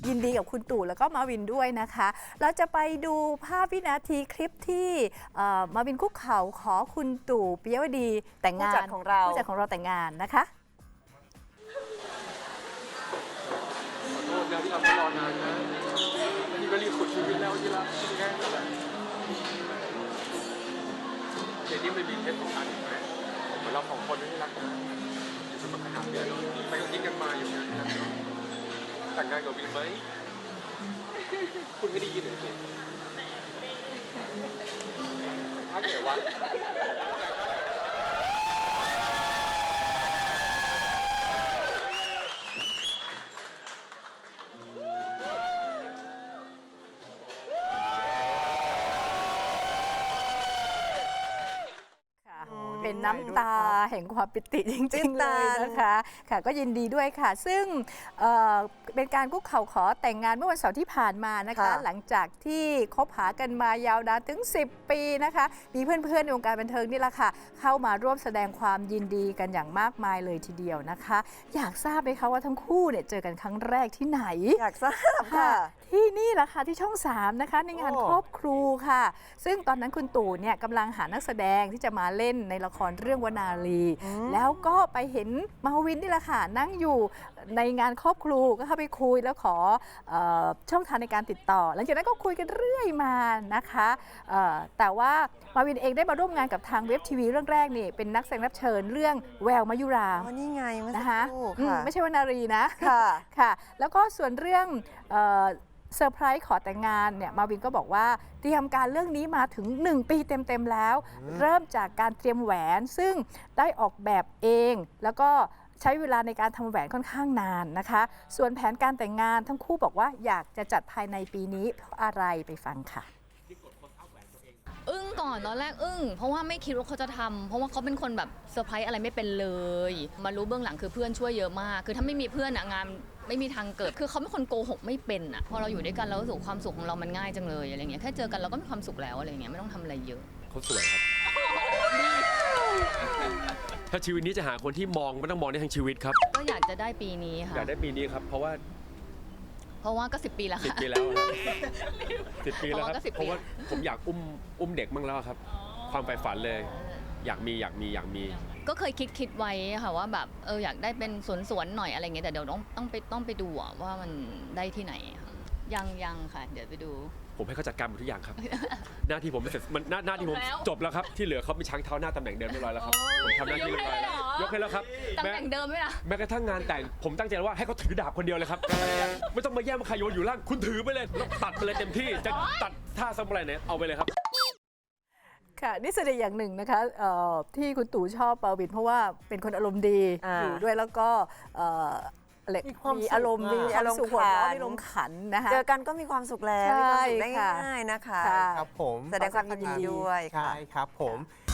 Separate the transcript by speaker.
Speaker 1: ยินดีกับคุณตู่แล้วก็มาวินด้วยนะคะ เราจะไปดูภาพวินาทีคลิปที่มาวินคุกเข่าขอคุณตู่ปิยวดีแต่งงาน
Speaker 2: ผู้จัดของเรา
Speaker 1: ผู้จัดของเราแต่งงานนะคะ
Speaker 3: ขอโทษนะที่ทำให้รอนานนะนี่ก็รีบขุดชีวิตแล้วที่รักแค่นั้นแหละเดี๋ยวนี้มันมีเพชรของอันอีกไหมเหมือนเราสองคนที่รักกันอยู่สมัครขนาดเดียวไปก็ยิงกันมาอยู่นะแต่งงานกับวินไหมคุณไม่ได้ยินเหรอสิถ้าเกิดว่า
Speaker 1: เป็นน้ำตาแห่งความปิติจริงๆเลยนะคะค่ะก็ยินดีด้วยค่ะ ซึ่งเป็นการคุกเข่าขอแต่งงานเมื่อวันเสาร์ที่ผ่านมานะคะหลังจากที่คบหากันมายาวนานถึง10 ปีนะคะมีเพื่อนๆในวงการบันเทิงนี่แหละค่ะเข้ามาร่วมแสดงความยินดีกันอย่างมากมายเลยทีเดียวนะคะอยากทราบไหมคะว่าทั้งคู่เนี่ยเจอกันครั้งแรกที่ไหน
Speaker 2: อยากทราบค่ะ
Speaker 1: ที่นี่แหละค่ะที่ช่อง 3นะคะในงานครอบครูค่ะซึ่งตอนนั้นคุณตู่เนี่ยกำลังหานักแสดงที่จะมาเล่นในละครเรื่องวนาลีแล้วก็ไปเห็นมาวินนี่แหละค่ะนั่งอยู่ในงานครอบครูก็เข้าไปคุยแล้วขอช่องทางในการติดต่อหลังจากนั้นก็คุยกันเรื่อยมานะคะแต่ว่ามาวินเองได้มาร่วมงานกับทางเว็บทีวีเรื่องแรกนี่เป็นนักแสดงรับเชิญเรื่องแววมายุรา
Speaker 2: นี่ไงเมื่อสัก
Speaker 1: นะคะ
Speaker 2: ครู่ค่ะ
Speaker 1: ไม่ใช่วนารีนะ
Speaker 2: ค่ะ
Speaker 1: ค่ะแล้วก็ส่วนเรื่องเซอร์ไพรส์ขอแต่งงานเนี่ยมาวินก็บอกว่าเตรียมการเรื่องนี้มาถึง1 ปีเต็มๆแล้วเริ่มจากการเตรียมแหวนซึ่งได้ออกแบบเองแล้วก็ใช้เวลาในการทำแหวนค่อนข้างนานนะคะส่วนแผนการแต่งงานทั้งคู่บอกว่าอยากจะจัดภายในปีนี้เพราะอะไรไปฟังค่ะ
Speaker 4: อึ้งก่อนตอนแรกอึ้งเพราะว่าไม่คิดว่าเขาจะทำเพราะว่าเขาเป็นคนแบบเซอร์ไพรส์อะไรไม่เป็นเลยมารู้เบื้องหลังคือเพื่อนช่วยเยอะมากคือถ้าไม่มีเพื่อนอะงานไม่มีทางเกิดคือเขาเป็นคนโกหกไม่เป็นอะพอเราอยู่ด้วยกันเรารู้สึกความสุขของเรามันง่ายจังเลยอะไรเงี้ยแค่เจอกันเราก็มีความสุขแล้วอะไรเงี้ยไม่ต้องทำอะไรเยอะ
Speaker 3: เขาสวยครับถ้าชีวิตนี้จะหาคนที่มองไม่ต้องมองได้ทั้งชีวิตครับ
Speaker 4: ก็อยากจะได้ปีนี้ค่ะ
Speaker 3: อยากได้ปีนี้ครับเพราะว่า
Speaker 4: ก็10 ปีแล้วค่ะ
Speaker 3: 10 ปีแล้ว10 ปีแล้วครับเพราะว่าผมอยากอุ้มเด็กบ้างแล้วครับความใฝ่ฝันเลยอยากมี
Speaker 4: ก็เคยคิดไว้ค่ะว่าแบบอยากได้เป็นสวนหน่อยอะไรเงี้ยแต่เดี๋ยวต้องไปดูว่ามันได้ที่ไหนยังค่ะเดี๋ยวไปดู
Speaker 3: ผมให้เขาจัดการหมดทุกอย่างครับ หน้าที่ผมเสร็จมันหน้าที่ผมจบแล้วครับที่เหลือเขามีช้างเท้าหน้าตำแหน่งเดิมเรียบร้อยแล้วครับผมทำหน้าที่เรียบร้อยแล้วยกให้แล้วครับ
Speaker 4: ตำแหน่งเดิมไหมล่ะ
Speaker 3: แม้กระทั่งงานแต่งผมตั้งใจว่าให้เขาถือดาบคนเดียวเลยครับไม่ต้องมาแย่งมาใครโยนอยู่ล่างคุณถือไปเลยแล้วตัดไปเลยเต็มที่จะตัดท่าซามูไรเนี่ยเอาไปเลยครับ
Speaker 1: ค่ะนี่แสดงอย่างหนึ่งนะคะที่คุณตู่ชอบมาวินเพราะว่าเป็นคนอารมณ์ดีอยู่ด้วยแล้วก็มีอารมณ์มีอารมณ์สุขหัวเราะมีอารมณ์ขันนะคะ
Speaker 2: เจอกันก็มีความสุขแล้วมีความสุขได้ง่ายๆนะคะ
Speaker 5: ครับผม
Speaker 2: แสดงความยินดีด้วย
Speaker 5: ใช่ครับผม